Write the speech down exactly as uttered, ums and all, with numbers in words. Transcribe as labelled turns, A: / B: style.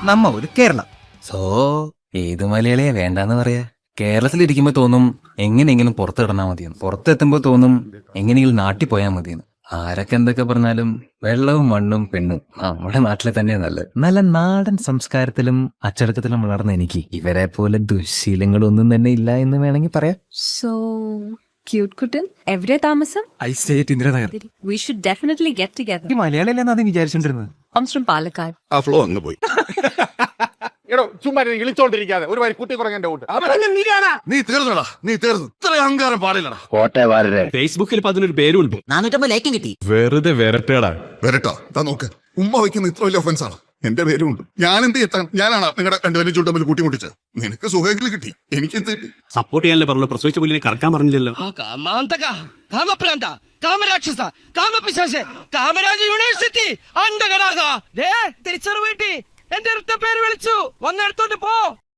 A: നമ്മ ഒരു കേരളം.
B: സോ ഏത് മലയാളിയെ വേണ്ടാന്ന് പറയാ? കേരളത്തിലിരിക്കുമ്പോ തോന്നും എങ്ങനെയെങ്കിലും പുറത്തിടണാ മതിയെന്ന്, പുറത്തെത്തുമ്പോ തോന്നും എങ്ങനെയെങ്കിലും നാട്ടിൽ പോയാൽ മതിയെന്ന്. ആരൊക്കെ എന്തൊക്കെ പറഞ്ഞാലും വെള്ളവും മണ്ണും പെണ്ണും നമ്മുടെ നാട്ടിലെ തന്നെ നല്ലത്. നല്ല നാടൻ സംസ്കാരത്തിലും അച്ചടക്കത്തിലും വളർന്ന എനിക്ക് ഇവരെ പോലെ ദുശീലങ്ങളൊന്നും തന്നെ ഇല്ല എന്ന് വേണമെങ്കിൽ പറയാം.
C: So cute കുട്ടൻ, എവിടെ താമസം?
A: I stay at Indranagar.
C: We should definitely get together.
A: ഈ മലയാളി അല്ലെന്ന് ആദ്യം വിചാരിച്ചോണ്ടിരുന്നത്.
C: Comes from Palakkad.
D: ആ ഫ്ലോ അങ്ങ് പോയി.
E: എടോ ചുമ്മാ ഇളിച്ചോണ്ടിരിക്കാതെ ഒരു വരി കുട്ടി കുറഞ്ഞ ഊട്ട്.
D: നീ തീർന്നടാ, നീ തീർന്നു. ഇത്ര അഹങ്കാരം പാടില്ലടാ.
F: ഫേസ്ബുക്കിൽ അതിനൊരു പേരുണ്ട്,
G: നാനൂറ്റമ്പത് ലൈക്കും കിട്ടി.
F: വെറുതെ വരട്ടേടാ.
D: വരട്ടോ, താ നോക്ക്. ഉമ്മ വയ്ക്കുന്ന ഇത്ര വലിയ ഒഫൻസ് ആണ്. എന്റെ പേരും ഉണ്ട്. ഞാൻ എന്ത് എത്താൻ? ഞാനാണ് നിങ്ങളുടെ രണ്ടുപേരും ചൂട്ടമ്പിൽ കൂട്ടിമുട്ടിച്ചത്. നിനക്ക് സുഖമെങ്കിലും കിട്ടി, എനിക്ക് എന്ത് കിട്ടി?
F: സപ്പോർട്ട് ചെയ്യാനല്ലേ പറഞ്ഞു, പ്രസവിച്ച പുള്ളിനെ കറക്കാൻ പറഞ്ഞില്ലല്ലോ.
H: കാമരാക്ഷസ കാമപിശാച കാമരാജ യൂണിവേഴ്സിറ്റി അണ്ടകടാക തിരിച്ചറിവ് കിട്ടി. എന്റെ അടുത്ത പേര് വിളിച്ചു, വന്നെടുത്തോണ്ട് പോ.